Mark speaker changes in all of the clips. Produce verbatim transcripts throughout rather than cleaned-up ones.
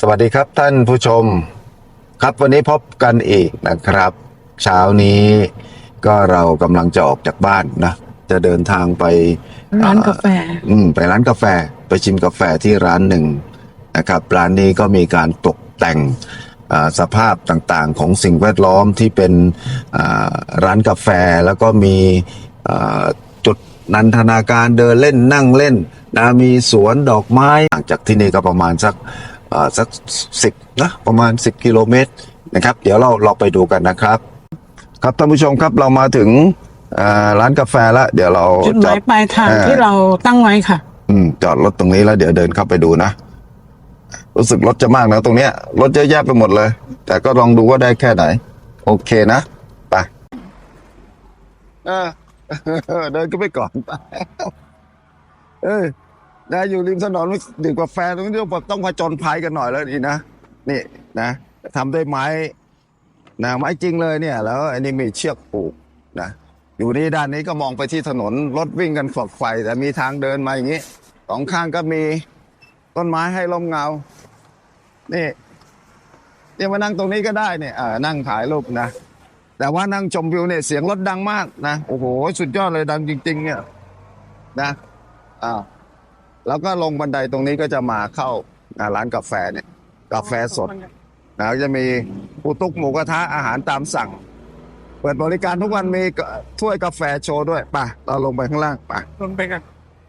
Speaker 1: สวัสดีครับท่านผู้ชมครับวันนี้พบกันอีกนะครับเช้านี้ก็เรากำลังจะออกจากบ้านนะจะเดินทางไป
Speaker 2: ร้านกาแฟ
Speaker 1: อืมไปร้านกาแฟไปชิมกาแฟที่ร้านหนึ่งนะครับร้านนี้ก็มีการตกแต่งสภาพต่างๆของสิ่งแวดล้อมที่เป็นร้านกาแฟแล้วก็มีจุดนันทนาการเดินเล่นนั่งเล่นนะมีสวนดอกไม้ห่างจากที่นี่ก็ประมาณสักสักสิบนะประมาณสิบกิโลเมตรนะครับเดี๋ยวเราเราไปดูกันนะครับครับท่านผู้ชมครับเรามาถึงร้านกาแฟแล้วเดี๋ยวเรา
Speaker 2: จุดหมายปลายทางที่เราตั้งไว้ค่ะ
Speaker 1: อืมจอดรถตรงนี้แล้วเดี๋ยวเดินเข้าไปดูนะรู้สึกรถจะมากนะตรงเนี้ยรถเยอะแยะไปหมดเลยแต่ก็ลองดูว่าได้แค่ไหนโอเคนะไปเออเดินก็ไปก่อนไปเออนะอยู่ริมถนนดื่มกาแฟตรงนี้ต้องผจญภัยกันหน่อยแล้วนี่นะนี่นะทำด้วยไม้นะไม้จริงเลยเนี่ยแล้วอันนี้มีเชือกผูกนะอยู่นี่ด้านนี้ก็มองไปที่ถนนรถวิ่งกันฝักไฟแต่มีทางเดินมาอย่างนี้สองข้างก็มีต้นไม้ให้ลมเงานี่เนี่ยมานั่งตรงนี้ก็ได้เนี่ยอ่านั่งถ่ายรูปนะแต่ว่านั่งชมวิวเนี่ยเสียงรถดังมากนะโอ้โหสุดยอดเลยดังจริงๆเนี่ยนะอ่าแล้วก็ลงบันไดตรงนี้ก็จะมาเข้าร้านกาแฟเนี่ยกาแฟสดนะจะมีปูตุ๊กหมูกระทะอาหารตามสั่งเปิดบริการทุกวันมีถ้วยกาแฟโชว์ด้วยป่ะเราลงไปข้างล่างป่ะ
Speaker 2: ลงไปกัน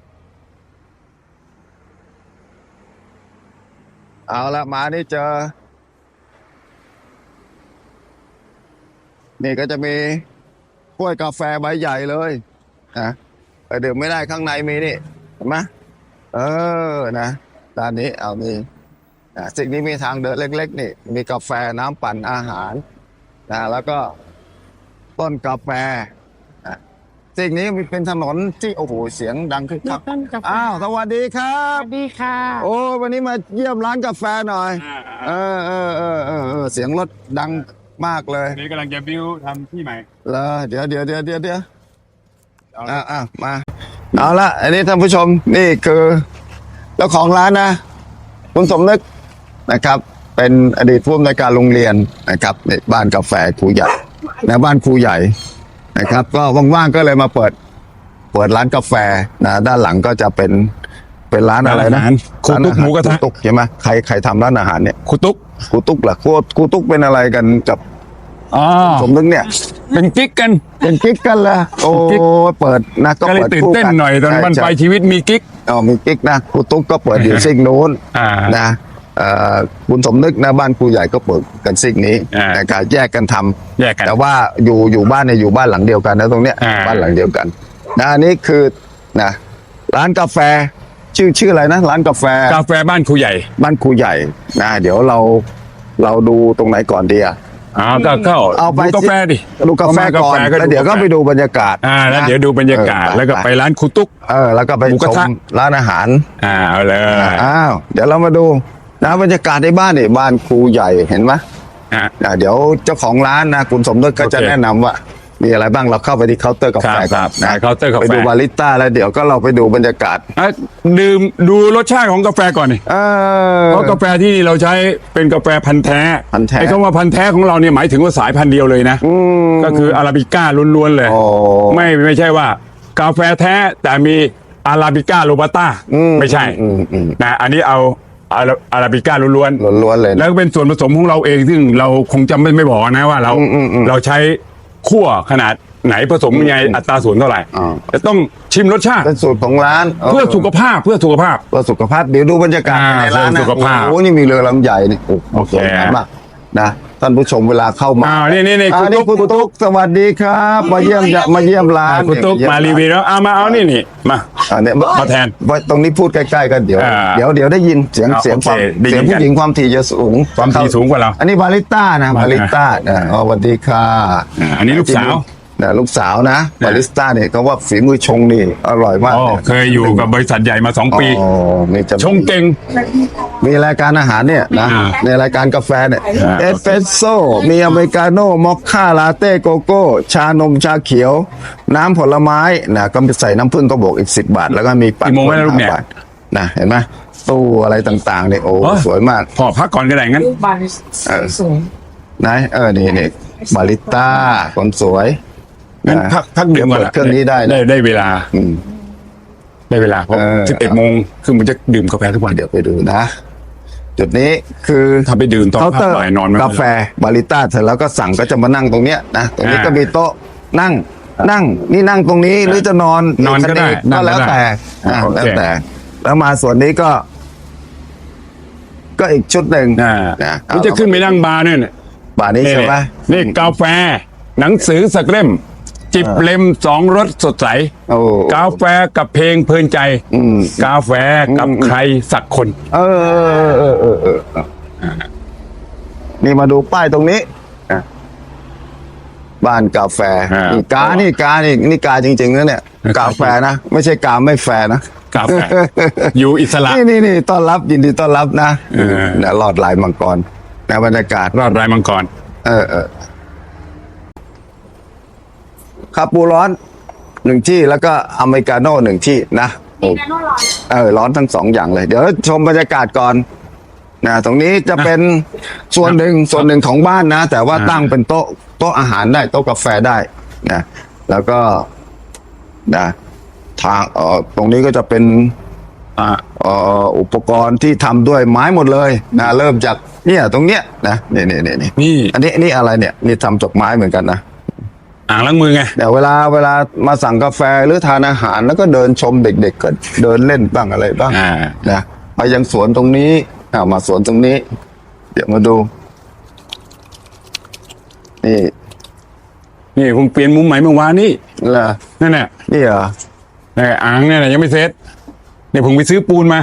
Speaker 1: เอาละมานี่เจอนี่ก็จะมีถ้วยกาแฟใบใหญ่เลยนะไปดื่มไม่ได้ข้างในมีนี่เห็นไหมเออนะด้านนี้เอามีนะสิ่งนี้มีทางเดินเล็กๆนี่มีกาแฟน้ำปั่นอาหารนะแล้วก็ต้นกาแฟนะสิ่งนี้มีเป็นถนนที่โอ้โหเสียงดังคึกคักอ้าวสวัสดีครับ
Speaker 2: สวัสดีค่ะ
Speaker 1: โอ้วันนี้มาเยี่ยมร้านกาแฟหน่อยเออเออเออเออเออเสียงรถดังมากเลย
Speaker 3: นี่กำลังจะบิวทำที่ใหม่
Speaker 1: เหรอเดี๋ยวเดี๋ยวเดี๋ยวเดี๋ยวเดี๋ยวอ่าอ่ามาเอาละอันนี้ท่านผู้ชมนี่คือเจ้าของร้านนะคุณสมนึกนะครับเป็นอดีตผู้อำนวยการโรงเรียนนะครับในบ้านกาแฟครูใหญ่ในบ้านครูใหญ่นะครับก็ว่างๆก็เลยมาเปิดเปิดร้านกาแฟนะด้านหลังก็จะเป็นเป็นร้านอะไรนะ
Speaker 3: ครูตุ๊กหมูกระทะ
Speaker 1: ตุ๊กใช่ไหมใครใครทำร้านอาหารเนี่ย
Speaker 3: ครูตุ๊ก
Speaker 1: ครูตุ๊กเหรอครูครูตุ๊กเป็นอะไรกันกับสมนึกเนี่ย
Speaker 3: เป็นกิ๊กกัน
Speaker 1: เป็นกิ๊กกันละโอ้เปิดนะ
Speaker 3: ก็เลยตื่นเต้นหน่อยตอนบั้นปลายชีวิตมีกิ๊ก
Speaker 1: อ๋อมีกิ๊กนะครูตุ๊กก็เปิดอยู่ซิ่งนู้นนะคุณสมนึกนะบ้านครูใหญ่ก็เปิดกันซิ่งนี้นะครับแยกกันทำ
Speaker 3: แยกกัน
Speaker 1: แต่ว่าอยู่อยู่บ้านเนี่ยอยู่บ้านหลังเดียวกันนะตรงเนี้ยบ้านหลังเดียวกันนะอันนี้คือนะร้านกาแฟชื่อชื่ออะไรนะร้านกาแฟ
Speaker 3: กาแฟบ้านครูใหญ่
Speaker 1: บ้านครูใหญ่นะเดี๋ยวเราเราดูตรงไหนก่อนดีอ่ะ
Speaker 3: อ่าก็เข้า
Speaker 1: เอาไป
Speaker 3: กาแฟดิ
Speaker 1: ดูกาแฟก่อนแล้วเดี๋ยวก็ไปดูบรรยากาศ
Speaker 3: อ่าแล้วเดี๋ยวดูบรรยากาศแล้วก็ไปร้านครูตุ๊ก
Speaker 1: เออแล้วก็ไปชมร้านอาหาร
Speaker 3: อ่าเอาเลย
Speaker 1: อ้าวเดี๋ยวเรามาดูนะบรรยากาศในบ้านนี่บ้านครูใหญ่เห็นไหมอ่าเดี๋ยวเจ้าของร้านนะคุณสมนึกก็จะแนะนำว่ามีอะไรบ้างเราเข้าไปที่เคาน์เตอร์กาแฟ
Speaker 3: ครับนะเคาน์เตอร์กาแฟ
Speaker 1: ไปดูบาริสต้าแล้วเดี๋ยวก็เราไปดูบรรยากาศ
Speaker 3: ดื่มดูรสชาติของกาแฟก่อนนี่เพราะกาแฟที่เราใช้เป็นกาแฟพันธุ์แท้
Speaker 1: พันธุ์แท้
Speaker 3: ไอ้คำว่าพันธุ์แท้ของเราเนี่ยหมายถึงว่าสายพันธุ์เดียวเลยนะก็คืออาราบิก้าล้วนๆเลยไม่ไม่ใช่ว่ากาแฟแท้แต่มีอาราบิก้าโรบัสต้าไม่ใช่นะอันนี้เอาอาราบิก้าล้วน
Speaker 1: ๆล้วนๆเลย
Speaker 3: แล้วก็เป็นส่วนผสมของเราเองซึ่งเราคงจำไม่ไม่บอกนะว่าเราเราใช้คั่วขนาดไหนผสมยังไงอัตราส่วนเท่าไหร่จะต้องชิมรสชาติ
Speaker 1: เป็นสูตรของร้าน
Speaker 3: เพื่อสุขภาพเพื่อสุขภาพ
Speaker 1: เพื่อสุขภาพเดี๋ยวดูบรรยากาศในร้านนะโอ้นี่มีเรือลำใหญ่นี่โอเคมากนะท่านผู้ชมเวลาเข้ามา
Speaker 3: อ่านี่นี่นี่
Speaker 1: คุณตุ๊กคุณตุ๊กสวัสดีครับมาเยี่ยมมาเยี่ยมร้าน
Speaker 3: คุณตุ๊กมารีวิวแล้วเอามาเอานี่นี่มา
Speaker 1: เนี่ย
Speaker 3: มาแทน
Speaker 1: ตรงนี้พูดใกล้ๆกันเดี๋ยวเดี๋ยวเดี๋ยวได้ยินเสียงเสียงความเสียงผู้หญิงความถี่จะสูง
Speaker 3: ความถี่สูงกว่าเรา
Speaker 1: อันนี้บาริสต้านะบาริสต้าอ๋อสวัสดีค่ะ
Speaker 3: อันนี้ลูกสาว
Speaker 1: นะลูกสาวนะบาริสต้าเนี่ยเขาว่าฝีมือชงนี่อร่อยมาก
Speaker 3: เคยอยู่กับบริษัทใหญ่มาสองปีชงเก่ง
Speaker 1: มีรายการอาหารเนี่ยนะในรายการกาแฟเนี่ยเอสเปรสโซ่มีอเมริกาโน่มอคค่าลาเต้โกโก้ชานมชาเขียวน้ำผลไม้นะก็ใส่น้ำผึ้งก็บอกอีกสิบบาทแล้วก็มี
Speaker 3: ปั่นโมงไม่ได้ลูกเนี่ย
Speaker 1: นะเห็นไหมตู้อะไรต่างๆเนี่ยโอ้
Speaker 3: อ๋อ
Speaker 1: สวยมาก
Speaker 3: พอพักก่อนก็ได้งั้น
Speaker 2: รูปบาน
Speaker 1: เออ
Speaker 2: สวย
Speaker 1: ไหนเออนี่นี่บาริสต้าคนสวย
Speaker 3: งั้น
Speaker 1: นะ
Speaker 3: พักพักดื่มก่อน
Speaker 1: เปิดเครื่องนี้ได้นะ
Speaker 3: ได้ได้เวลา
Speaker 1: อืม
Speaker 3: ได้เวลาเพราะ
Speaker 1: เออ
Speaker 3: สิบเอ็ดโมงคือมันจะดื่มกาแฟทุกวัน
Speaker 1: เดี๋ยวไปดูนะ จุดนี้คือ
Speaker 3: ถ้าไปดื่มตอน
Speaker 1: เคาน์
Speaker 3: พั
Speaker 1: เต
Speaker 3: ก
Speaker 1: อร์
Speaker 3: บ่ายนอนไม่
Speaker 1: กาแฟบาริสต้าเสร็จแล้วก็สั่งก็จะมานั่งตรงเนี้ยนะตรงนี้
Speaker 3: อ่า
Speaker 1: ก็มีโต๊ะนั่ง นั่ง นี่นั่งตรงนี้หรือจะนอน
Speaker 3: นอนก็ได้
Speaker 1: ก็
Speaker 3: นั่งก็
Speaker 1: แล้ว
Speaker 3: ได้
Speaker 1: แต่
Speaker 3: อ่า
Speaker 1: อ่า
Speaker 3: โอเค
Speaker 1: แล้วแต่ แล้วมาส่วนนี้ก็ ก็อีกชุดหนึ่ง
Speaker 3: อ่า
Speaker 1: นะ
Speaker 3: มันจะขึ้นไปนั่งบาร์เนี่ย
Speaker 1: บาร์นี้ใช่ไหม
Speaker 3: นี่กาแฟ หนังสือสักเล่ม จิบเล่มสองรสสดใส
Speaker 1: โอ้
Speaker 3: กาแฟกับเพลงเพลินใจ
Speaker 1: อืม
Speaker 3: กาแฟกับใครสักคน
Speaker 1: เออเออเออเออเออเออนี่มาดูป้ายตรงนี้อ่ะบ้านกาแฟ
Speaker 3: อ่านี่
Speaker 1: นี่กานี่กานี่นี่กาจริงๆนะเนี่ย กาแฟนะไม่ใช่กาไม่แฟร์นะ
Speaker 3: กาแฟ อยู่อิสระ
Speaker 1: นี่นี่นี่ต้อนรับยินดีต้อนรับนะ
Speaker 3: เออ
Speaker 1: เนี่ยหลอดลายมังกรในบรรยากาศ
Speaker 3: รอดรายมังกร
Speaker 1: เออเออคาปูร้อนหนึ่งที่แล้วก็อเมริกาโน่หนึ่งที่นะโอ้เออร้อนทั้งสองอย่างเลย เดี๋ยวชมบรรยากาศก่อนนะตรงนี้จะเป็นส่วนหนึ่งส่วนหนึ่งของบ้านนะ แต่ว่า
Speaker 3: อ่า
Speaker 1: ตั้งเป็นโต๊ะโต๊ะอาหารได้โต๊ะกาแฟได้นะแล้วก็นะทางเอ่อตรงนี้ก็จะเป็น
Speaker 3: อ่า
Speaker 1: เอ่ออุปกรณ์ที่ทำด้วยไม้หมดเลยนะเริ่มจากเนี่ยตรงเนี้ยนะนี่นี่นี่นี่
Speaker 3: นี่
Speaker 1: อันนี้นี่อะไรเนี่ยนี่ทำจากไม้เหมือนกันนะ
Speaker 3: อ่างล้างมือไง
Speaker 1: เดี๋ยวเวลาเวลามาสั่งกาแฟหรือทานอาหารแล้วก็เดินชมเด็กๆก็เดินเล่นบ้างอะไรบ้าง
Speaker 3: อ่า
Speaker 1: นะไปยังสวนตรงนี้อ่ามาสวนตรงนี้ เดี๋ยวมาดู นี่
Speaker 3: นี่ผมเปลี่ยนมุมใหม่เมื่อวานนี่
Speaker 1: เหรอ
Speaker 3: นั่นแหละ
Speaker 1: นี่เหรอ
Speaker 3: นี่อ่างเนี่ยนะยังไม่เสร็จเนี่ยผมไปซื้อปูนมา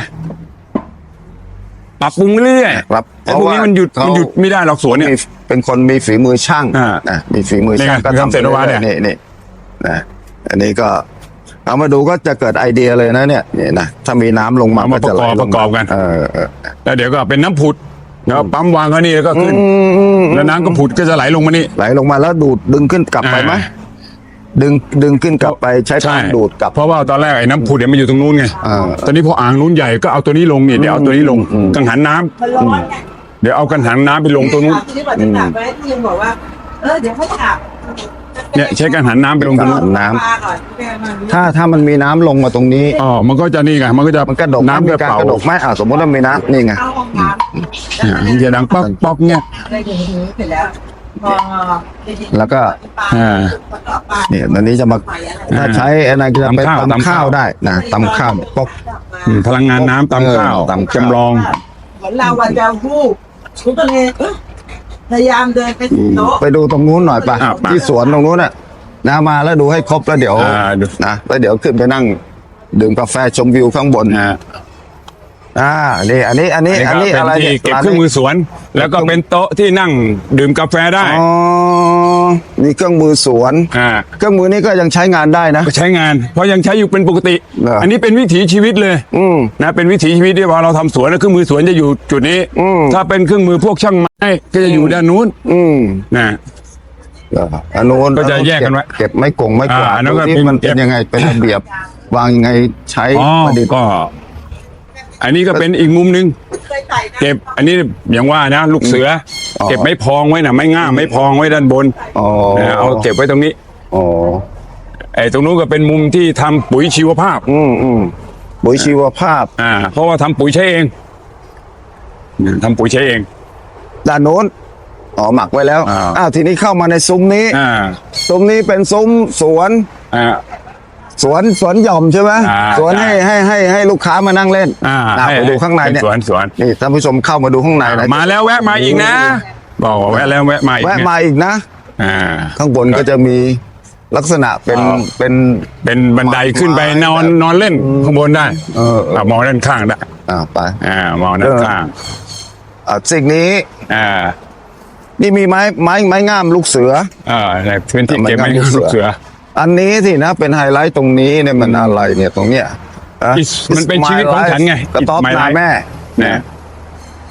Speaker 3: ปรับปรุงเรื่อยๆ
Speaker 1: ครับ
Speaker 3: ไอ้พวกนี้มันหยุด
Speaker 1: เพราะว่า
Speaker 3: มันหยุดไม่ได้หรอกสวนเนี่ย
Speaker 1: มีเป็นคนมีฝีมือช่าง
Speaker 3: อ่า
Speaker 1: นะมีฝีมือช่าง
Speaker 3: นี่ไง
Speaker 1: ก็
Speaker 3: ทำเสร็จแล้ววะเนี่ย
Speaker 1: นี่นี่นะอันนี้ก็ เอามาดูก็จะเกิดไอเดียเลยนะเนี่ยนี่นะถ้ามีน้ำลงมา
Speaker 3: เอามา
Speaker 1: ก็จะไหล
Speaker 3: ประกอบ
Speaker 1: ลง
Speaker 3: ประกอบกัน
Speaker 1: เออเออ
Speaker 3: แล้วเดี๋ยวก็เป็นน้ำผุดแล้วปั๊มวางเขานี่แล้วก็ขึ้น
Speaker 1: อืมอืม
Speaker 3: แล้วน้ำก็ผุดก็จะไหลลงมานี่
Speaker 1: ไหลลงมาแล้วดูดดึงขึ้นกลับไปไหม
Speaker 3: อ่า
Speaker 1: ดึงดึงขึ้นกลับไปใช้ปั๊มดูดกลับ
Speaker 3: เพราะว่าตอนแรกไอ้น้ำผุดเนี่ยมันอยู่ตรงนู้นไง
Speaker 1: อ่า
Speaker 3: ตอนนี้พออ่างนู้นใหญ่ก็เอาตัวนี้ลงนี่เดี๋ยวเอาตัวนี้ลงกังหันน้ำ
Speaker 4: มันร้อนไง
Speaker 3: เดี๋ยวเอากังหันน้ำไปลงตรงนู้น
Speaker 4: ที่นี่บอกจะกลับไว้ที่ยังบอกว่า เออเดี๋ยวเขากลับ
Speaker 3: เนี่ยใช้กังหันน้ำไปลงตรงนู้น
Speaker 1: น้ำ
Speaker 4: ปลาก่อนแม่มัน
Speaker 1: ถ้าถ้ามันมีน้ำลงมาตรงนี้
Speaker 3: อ๋อมันก็จะนี่ไงมันก็จะ
Speaker 1: มันกระดก
Speaker 3: น้ำ
Speaker 1: มี
Speaker 3: จะ
Speaker 1: การ
Speaker 3: เป่าก
Speaker 1: ระดกไหมอ่าสมมติว่ามีน้ำนี่ไง
Speaker 4: เข้าห้องน้ำ
Speaker 3: เนี่ยมันจะดังป๊อกป๊อกเนี่ย
Speaker 4: อะไรอย่างนี้เสร็จแล้วพอ
Speaker 1: แล้วก็
Speaker 3: อ่า
Speaker 4: ประกอบปลา
Speaker 1: เนี่ยตอนนี้จะมาถ้าใช้อะไรก็จะไป
Speaker 3: ตำข้าว
Speaker 1: ตำข้าวได้นะตำข้าวปก
Speaker 3: อืมพลังงานน้ำตามข้าว
Speaker 1: เออตามข้าว
Speaker 3: จำลอง
Speaker 4: เหมือนเราวันจะวูบฉันก็เลยเอ้ยพยายามเดินไปถึงโต๊ะ
Speaker 1: ไปดูตรงนู้นหน่อยไป
Speaker 3: อ่ะไป
Speaker 1: ที่สวนตรงนู้นน่ะนะมาแล้วดูให้ครบแล้วเดี๋ยว
Speaker 3: อ่าดู
Speaker 1: นะแล้วเดี๋ยวขึ้นไปนั่งดื่มกาแฟชมวิวข้างบน
Speaker 3: นะ
Speaker 1: อ่านี่อันนี้อันนี้อันนี้
Speaker 3: ก็
Speaker 1: อะไร
Speaker 3: เป็น
Speaker 1: เนี่
Speaker 3: ที่
Speaker 1: ย
Speaker 3: เก็บ
Speaker 1: ร้าน
Speaker 3: เครื่องมื
Speaker 1: นี้
Speaker 3: อสวน แล้วก็เป็นโต๊ะที่นั่งดื่มกาแฟได้
Speaker 1: อ๋อมีเครื่องมือสวน
Speaker 3: อ่า
Speaker 1: เครื่องมือนี้ก็ยังใช้งานได้นะ
Speaker 3: ก็ใช้งาน เพราะยังใช้อยู่เป็นปกติ
Speaker 1: เหรออั
Speaker 3: อันนี้เป็นวิถีชีวิตเลย
Speaker 1: อืม
Speaker 3: นะเป็นวิถีชีวิตที่พอเราทำสวนแล้วเครื่องมือสวนจะอยู่จุดนี้
Speaker 1: อืม
Speaker 3: ถ้าเป็นเครื่องมือพวกช่างไม้ก็จะอยู่ด้านนู้น
Speaker 1: อืม
Speaker 3: นะ
Speaker 1: เหรออันนู้น
Speaker 3: ก็จะแยกกันไว้
Speaker 1: เก็บไม่กงไม่กวาด
Speaker 3: อ่าอันนั้นก็
Speaker 1: ดูที่
Speaker 3: เป็น
Speaker 1: มันเป็นยังไงเป็นระเบียบ วางยังไงใช้
Speaker 3: อ๋อ
Speaker 1: ประดิษฐ์
Speaker 3: ก็ อันนี้ก็เป็นอีกมุมหนึ่ง
Speaker 4: เคยใส่นะ
Speaker 3: เก็บ อันนี้อย่างว่านะลูกเสืออ
Speaker 1: อ
Speaker 3: เก็บไม้พองไว้นะไม้ง่ามไม้พองไว้ด้านบน
Speaker 1: อ๋อ
Speaker 3: นะเอาเก็บไว้ตรงนี้
Speaker 1: อ๋อ
Speaker 3: ไอ้ตรงนู้นก็เป็นมุมที่ทำปุ๋ยชีวภาพ
Speaker 1: อืมอืมปุ๋ยชีวภาพ
Speaker 3: อ่า เพราะว่าทำปุ๋ยใช้เองทำปุ๋ยใช้เอง
Speaker 1: ด้านโน้นอ๋อหมักไว้แล้ว
Speaker 3: อ่า
Speaker 1: อ้าวทีนี้เข้ามาในซุ้มนี้
Speaker 3: อ่า
Speaker 1: ซุ้มนี้เป็นซุ้มสวน
Speaker 3: อ่า
Speaker 1: สวนสวนหย่อมใช่ไหม
Speaker 3: อ่า
Speaker 1: สวนให้
Speaker 3: ใช่
Speaker 1: ให้ให้ให้ลูกค้ามานั่งเล่น
Speaker 3: อ่า
Speaker 1: อ่ะ
Speaker 3: ให้
Speaker 1: ไปดูข้างในเนี่ย
Speaker 3: สวนสวน
Speaker 1: นี่ท่านผู้ชมเข้ามาดูข้างในนะ
Speaker 3: มาแล้วแวะมาอีกนะ บอกว่าแวะแล้วแวะมาอีก
Speaker 1: แวะ
Speaker 3: เนี่ย
Speaker 1: มาอีกนะ
Speaker 3: อ่า
Speaker 1: ข้างบนก็จะมีลักษณะเป็น
Speaker 3: อ๋อ
Speaker 1: เป็น
Speaker 3: เป็นบันไดขึ้นไปนอนนอนเล่นข้างบนได้
Speaker 1: เออเออ
Speaker 3: อ่ะมองด้านข้างได้
Speaker 1: อ่าไป
Speaker 3: อ่ามองด้านข้าง
Speaker 1: อ่าสิ่งนี้
Speaker 3: อ่า
Speaker 1: นี่มีไม้ไม้ไม้งามลูกเสือ
Speaker 3: อ่าในพื้นที่
Speaker 1: มัน
Speaker 3: เก็บไม้
Speaker 1: ก็มีเสือ
Speaker 3: ลูกเสือ
Speaker 1: อันนี้สินะเป็นไฮไลท์ตรงนี้เนี่ยมันอะไรเนี่ยตรงเนี้ยอ่ะ
Speaker 3: It's- มันเป็นชีวิตของฉันไง
Speaker 1: กระต๊อบ
Speaker 3: It's my
Speaker 1: นา
Speaker 3: life
Speaker 1: แม่
Speaker 3: นะ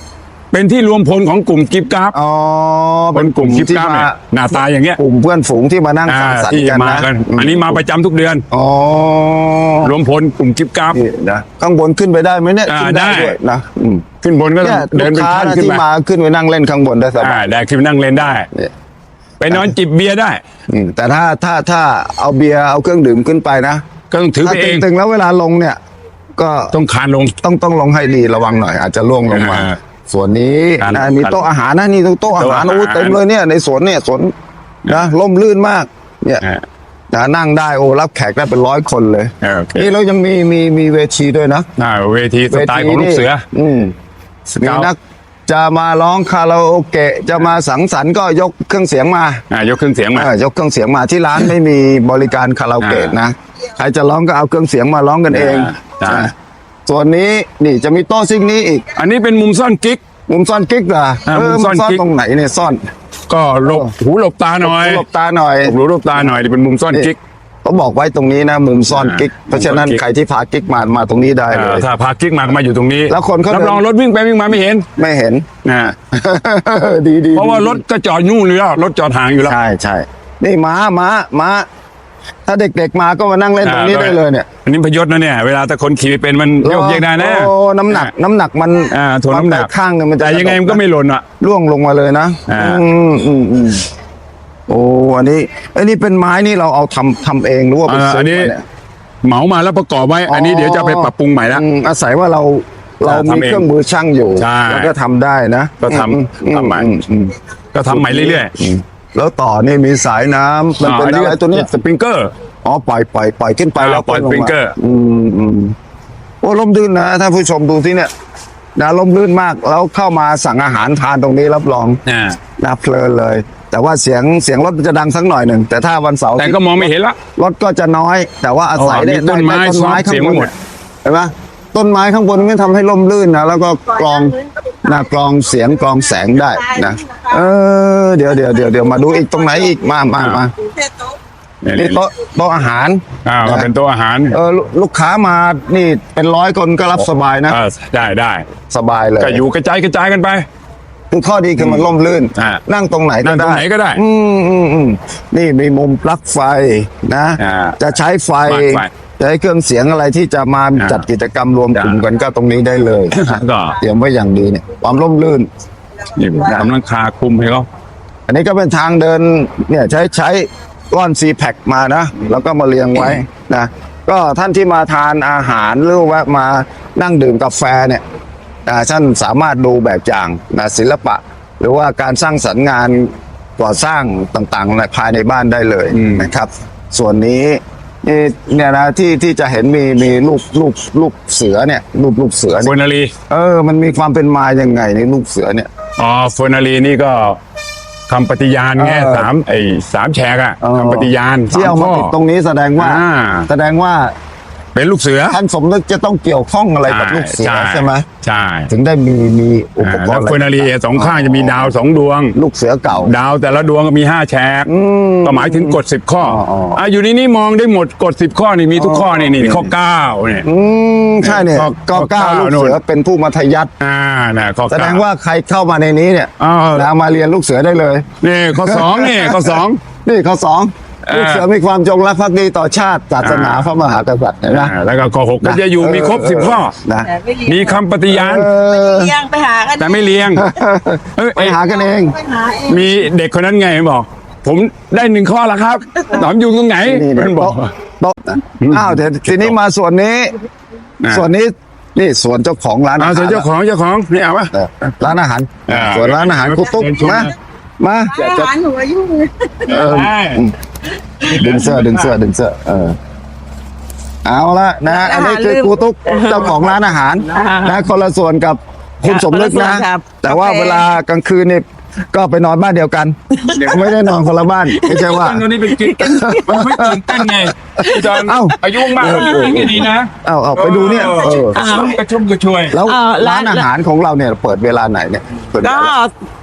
Speaker 3: เป็นที่รวมพลของกลุ่มกิฟต์กราฟ
Speaker 1: อ๋อ
Speaker 3: คนกลุ่มกิฟต์
Speaker 1: ที่
Speaker 3: กราฟ
Speaker 1: มา
Speaker 3: เนี่ยหน้าตาอย่างเงี้ย
Speaker 1: กลุ่มเพื่อนฝูงที่มานั่ง
Speaker 3: อ่า
Speaker 1: สังสรร
Speaker 3: ที่
Speaker 1: ค์กัน
Speaker 3: มา
Speaker 1: นะ
Speaker 3: กัน อันนี้มาประจำทุกเดือน
Speaker 1: อ๋อ
Speaker 3: รวมพลกลุ่มกิฟต์กราฟ
Speaker 1: นี่นะข้างบนขึ้นไปได้ไหมเนี่ย
Speaker 3: อ่า
Speaker 1: ขึ้นได้
Speaker 3: ได้
Speaker 1: ด้วยนะอืม
Speaker 3: ขึ้นบนก็ต้อ
Speaker 1: เนี่
Speaker 3: ง
Speaker 1: ย
Speaker 3: เดิ
Speaker 1: ลู
Speaker 3: น
Speaker 1: ก
Speaker 3: เป็น
Speaker 1: ค้า
Speaker 3: ขั้น
Speaker 1: นะ
Speaker 3: ขึ้น
Speaker 1: ที่
Speaker 3: ไป
Speaker 1: มาขึ้นไปนั่งเล่นข้างบนได้ส
Speaker 3: อ่า
Speaker 1: บาย
Speaker 3: ได้ขึ้นไปนั่งเล่นได้
Speaker 1: เนี่ย
Speaker 3: ไปนอนจิบเบียร์ได้
Speaker 1: อืมแต่ถ้าถ้าถ้าเอาเบียร์เอาเครื่องดื่มขึ้นไปนะ
Speaker 3: ก็ต้องถือ
Speaker 1: ถ้า
Speaker 3: ไปเอง
Speaker 1: ตึงๆแล้วเวลาลงเนี่ย ก็
Speaker 3: ต้องคานลง
Speaker 1: ต้องต้องลงให้ดีระวังหน่อย อาจจะล่วงลงมา
Speaker 3: อ่า
Speaker 1: ส่วนนี้
Speaker 3: การ
Speaker 1: นะมีโต๊ะอาหารนะนี่โต๊ะอาหาร
Speaker 3: โต๊ะอาหาร
Speaker 1: โอ้เต็มเลยเนี่ยในสวนเนี่ยสวนนะร่มรื่นมาก เนี่ย
Speaker 3: อ่า
Speaker 1: นะนั่งได้โอ้รับแขกได้เป็นร้อยคนเลย
Speaker 3: อ่าโอเค
Speaker 1: นี่เรายังมีมีมีเวทีด้วยนะ
Speaker 3: อ่าเวทีสไตล์ของลูกเสือ
Speaker 1: อืม
Speaker 3: ส
Speaker 1: มี
Speaker 3: เกาต์
Speaker 1: นักจะมาร้องคาราโอเกะจะมาสังสรรค์ก็ยกเครื่องเสียงมา
Speaker 3: อ่ายกเครื่องเสียงมา
Speaker 1: เออยกเครื่องเสียงมาที่ร้านไม่มีบริการคาราโอเกะ
Speaker 3: อ่าน
Speaker 1: นะใครจะร้องก็เอาเครื่องเสียงมาร้องกันเอง
Speaker 3: อ่า
Speaker 1: นะส่วนนี้นี่จะมีโต๊ะซิ่งนี้อีก
Speaker 3: อันนี้เป็นมุมซ่อนกิ๊ก
Speaker 1: มุมซ่อนกิ๊กเหรอ
Speaker 3: อ่า
Speaker 1: เออ
Speaker 3: มุมซ่อน
Speaker 1: ซ่อน
Speaker 3: กิ๊ก
Speaker 1: ตรงไหนเนี่ยซ่อน
Speaker 3: ก็หลบหูหลบตาหน่อย
Speaker 1: หลบตาหน่อย
Speaker 3: หลบหูหลบตาหน่อยนี่เป็นมุมซ่อนกิ๊ก
Speaker 1: เขาบอกไว้ตรงนี้นะมุมซ่อน
Speaker 3: อ่า
Speaker 1: กิ๊กเพราะฉะนั้น
Speaker 3: มุมซ่อนกิ๊ก
Speaker 1: ใครที่พากิ๊กมามาตรงนี้ได้เล
Speaker 3: อ่าย ถ้าพากิ๊กมาก็มาอยู่ตรงนี้
Speaker 1: แล้วคนเขา
Speaker 3: รับรอง
Speaker 1: เดิน
Speaker 3: รถวิ่งไปวิ่งมาไม่เห็น
Speaker 1: ไม่เห็น
Speaker 3: นะ
Speaker 1: ดีดี
Speaker 3: เพราะว่า
Speaker 1: ดี
Speaker 3: รถก็จอดนู่นอยู่แล้วรถจอดห่างอยู่แล้ว
Speaker 1: ใช่ใช่นี่ม้าม้าม้าถ้าเด็กๆมาก็มานั่งเล่นตรงนี้
Speaker 3: อ่า
Speaker 1: ได้เลยเนี่ย
Speaker 3: อันนี้พยศนะเนี่ยเวลาถ้าคนขี่เป็นมันโยกเยกได้นะ
Speaker 1: โอ้น้ำหนักน้ำหนักมัน
Speaker 3: อ่าถ่วงน้ำหนัก
Speaker 1: ข้างหนึงมันจะ
Speaker 3: แต่ยังไงมันก็ไม่หล่นอ่ะ
Speaker 1: ร่วงลงมาเลยนะ
Speaker 3: อ่า
Speaker 1: อืมอืมอืมโอ้อันนี้อันนี้เป็นไม้นี่เราเอาทำทำเองหรือว่าไป
Speaker 3: อ่า
Speaker 1: ซื้
Speaker 3: อั
Speaker 1: อน
Speaker 3: นี้
Speaker 1: มาเนี่ย
Speaker 3: เหมามาแล้วประกอบไว้ อันนี้เดี๋ยวจะเอาไปปรับปรุงใหม่ละ
Speaker 1: อืมอาศัยว่าเราเรา
Speaker 3: ทำ
Speaker 1: มี
Speaker 3: เอง
Speaker 1: เครื่องมือช่างอยู่
Speaker 3: ใช่
Speaker 1: แล้วก็ทำได้นะ
Speaker 3: ก็ทำ
Speaker 1: อือื
Speaker 3: ทำใหม่
Speaker 1: อือืม
Speaker 3: ก็ทำใหม่เรื่อย
Speaker 1: อืมแล้วต่อนี่มีสายน้ำ
Speaker 3: ๆ
Speaker 1: มันเป็นอะไรตัวเนี้ย
Speaker 3: สปริงเกอร์
Speaker 1: อ๋อปล่อยปล่อยปล่อยขึ้นไป
Speaker 3: อ่า
Speaker 1: แล้ว
Speaker 3: ปล่อย
Speaker 1: ก็งมา
Speaker 3: สปริงเกอร์
Speaker 1: อืมอืมโอ้ร่มรื่นนะถ้าผู้ชมดูที่เนี่ยนะร่มรื่นมากแล้วเข้ามาสั่งอาหารทานตรงนี้รับรอง
Speaker 3: อ่า
Speaker 1: นะเพลินเลย แต่ว่าเสียงเสียงรถมันจะดังสักหน่อยหนึ่งแต่ถ้าวันเสาร์
Speaker 3: แต่ก็มองไม่เห็นละ
Speaker 1: รถก็จะน้อย แต่ว่าอาศัย
Speaker 3: อ๋อ
Speaker 1: ได้
Speaker 3: มีต้นไม้
Speaker 1: ด้ต้นไม้
Speaker 3: ซ้อมเสี
Speaker 1: ข้าย ง
Speaker 3: ง
Speaker 1: บน
Speaker 3: หมด
Speaker 1: เห็นไหมต้นไม้ข้างบนไม่ทำให้ร่มรื่นนะแล้วก็กรองนะกรองเสียงกรองแสงได้นะเออเดี๋ยวเดี๋ยวเดี๋ยวเดี๋ยวมาดูอีกตรงไหนอีกมามามา นี่โต๊ะโต๊ะอาหาร
Speaker 3: อ่ามาเป็นโต๊ะอาหาร
Speaker 1: เออลูลูกค้ามานี่เป็นร้อยคนก็รับสบายนะ
Speaker 3: อ่าได้ได้
Speaker 1: สบายเลย
Speaker 3: ก็อยู่กระจายกระจายกันไป
Speaker 1: คือข้อดีคือมันร่มรื่น
Speaker 3: อ่า
Speaker 1: นั่งตรงไหน
Speaker 3: นั่
Speaker 1: ก็
Speaker 3: งตร
Speaker 1: ได้
Speaker 3: งไหนก็ได้
Speaker 1: อืมอืมอืมนี่มีมุมปลั๊กไฟนะ
Speaker 3: อ่า
Speaker 1: จะใช้ไฟ
Speaker 3: ปลั๊กไฟ
Speaker 1: จะใช้เครื่องเสียงอะไรที่จะมา
Speaker 3: อ่า
Speaker 1: จัดกิจกรรมรวมกลุ่ม
Speaker 3: อ่า
Speaker 1: กันก็ตรงนี้ได้เลย
Speaker 3: ก็
Speaker 1: เตรียมไว้อย่างดีเนี่ยความร่มรื่น
Speaker 3: นี่กำลังคาคุมให้เขา
Speaker 1: อันนี้ก็เป็นทางเดินเนี่ยใช้ใช้ก้อนซีแพคมานะ แล้วก็มาเรียงไว้นะก็ท่านที่มาทานอาหารหรือว่ามานั่งดื่มกาแฟเนี่ยอ่าท่านสามารถดูแบบอย่างนะศิลปะ หรือว่าการสร้างสรรค์งานก่อสร้างต่างๆในภายในบ้านได้เลยนะครับ ส่วนนี้นี่เนี่ยนะที่ที่จะเห็นมีมีรูปรูปรูปเสือเนี่ยรูปรูปเสือ
Speaker 3: เฟอ
Speaker 1: เนี่ย
Speaker 3: ร์นารี
Speaker 1: เออมันมีความเป็นมายังไงในรูปเสือเนี่ย
Speaker 3: อ๋อเฟอร์นารีนี่ก็คำปฏิญาณไง
Speaker 1: เออ
Speaker 3: สามไอ้สามแฉกอะ
Speaker 1: เออ
Speaker 3: คำปฏิญาณ
Speaker 1: ที่เอา
Speaker 3: ส
Speaker 1: มา
Speaker 3: ข้
Speaker 1: ติดตรงนี้แสดงว่า
Speaker 3: อ่า
Speaker 1: แสดงว่า
Speaker 3: เป็นลูกเสือ
Speaker 1: ท่านสมนึกจะต้องเกี่ยวข้องอะไรกับลูกเสือใช่ไหม
Speaker 3: ใช่
Speaker 1: ถึงได้มีมีอุป
Speaker 3: อ่าก
Speaker 1: ร
Speaker 3: แล้ว
Speaker 1: ณ์
Speaker 3: เฟอร์นารีสองข้างจะมีดาวสองดวง
Speaker 1: ลูกเสือเก่า
Speaker 3: ดาวแต่ละดวงก็มีห้าแฉก
Speaker 1: ม
Speaker 3: ก็หมายถึงกฎสิบข้อ
Speaker 1: อ๋ออ๋ออ่
Speaker 3: อ่ะอยู่ในนี้มองได้หมดกฎสิบข้อนี่มีทุกข้อนี่นี่ข้อเก้าเนี่ย
Speaker 1: อืมใช่เนี่ย
Speaker 3: ข้อ
Speaker 1: ก็
Speaker 3: ข้อ
Speaker 1: เก้า
Speaker 3: เก้า
Speaker 1: ลูกเสือเป็นผู้มัธยัติ
Speaker 3: อ่านะข้อ
Speaker 1: แส
Speaker 3: เก้า
Speaker 1: ดงว่าใครเข้ามาในนี้เนี่ย
Speaker 3: อ้าว
Speaker 1: นะมาเรียนลูกเสือได้เลย
Speaker 3: นี่ข้อสองนี่ข้อสอง
Speaker 1: นี่ข้อสอง
Speaker 3: อ่า
Speaker 1: ลูกเสือมีความจงรักภักดีต่อชาติศาสนา
Speaker 3: อ่า
Speaker 1: พระมหากษัตริย์เห็นไหม
Speaker 3: อ่าแล้วก็ข้อหกก็จะอยู่มีครบสิบข้อ
Speaker 1: นะ
Speaker 3: มีคำปฏิญาณ
Speaker 1: เออ
Speaker 4: เลี้ยงไปหากัน
Speaker 3: แต่ไม่เลี้ยงเอ้ย
Speaker 1: ไปหากันเอง
Speaker 4: ไปหาเอง
Speaker 3: มีเด็กคนนั้นไงบอก ผมได้หนึ่งข้อแล้วครับหนอมอยู่ตรงไหน
Speaker 1: นี่เนี่ย
Speaker 3: มันบอก
Speaker 1: โต๊ะอ้าวเดี๋ยวทีนี้มาส่วนนี้
Speaker 3: อ่า
Speaker 1: ส่วนนี้นี่ส่วนเจ้าของร้านอา
Speaker 3: เอา
Speaker 1: หาร
Speaker 3: ส่วนเจ้าของเจ้าของนี่เอาปะ
Speaker 1: เออร้านอาหาร
Speaker 3: อ่า
Speaker 1: ส่วนร้านอาหารคุตุ๊ก
Speaker 3: เชิญชม
Speaker 1: มา
Speaker 3: นะ
Speaker 1: มา
Speaker 4: อาหารหนูอายุเลย
Speaker 1: เออ
Speaker 3: ได้
Speaker 1: ดึงเสื้อดึงเสื้อดึงเสื้อเออเอาละนะอันนี้คือครูตุ๊กเจ้าของร้านอาหารนะคนละส่วนกับคุณสมนึกนะ แต่ว่าเวลากลางคืนนี่ก็ไปนอนบ้านเดียวกันไม่ได้นอนคนละบ้านไม่ใช่ว่า
Speaker 3: ตอนนี้เป็นกิ๊กมันไม่ตื่นเต้นไงอาจารย์
Speaker 1: เอ้า
Speaker 3: อายุมากแล้วนี่ไม่ดีนะ
Speaker 1: เอาเอาไปดูเนี่ยเออ
Speaker 3: กระชุ่มกระชวย
Speaker 1: แล้ว
Speaker 5: เอ่อร้า
Speaker 1: ร้าน นอาหารของเราเนี่ยเปิดเวลาไหนเนี่ยเปิดเว
Speaker 5: ก็
Speaker 1: ลา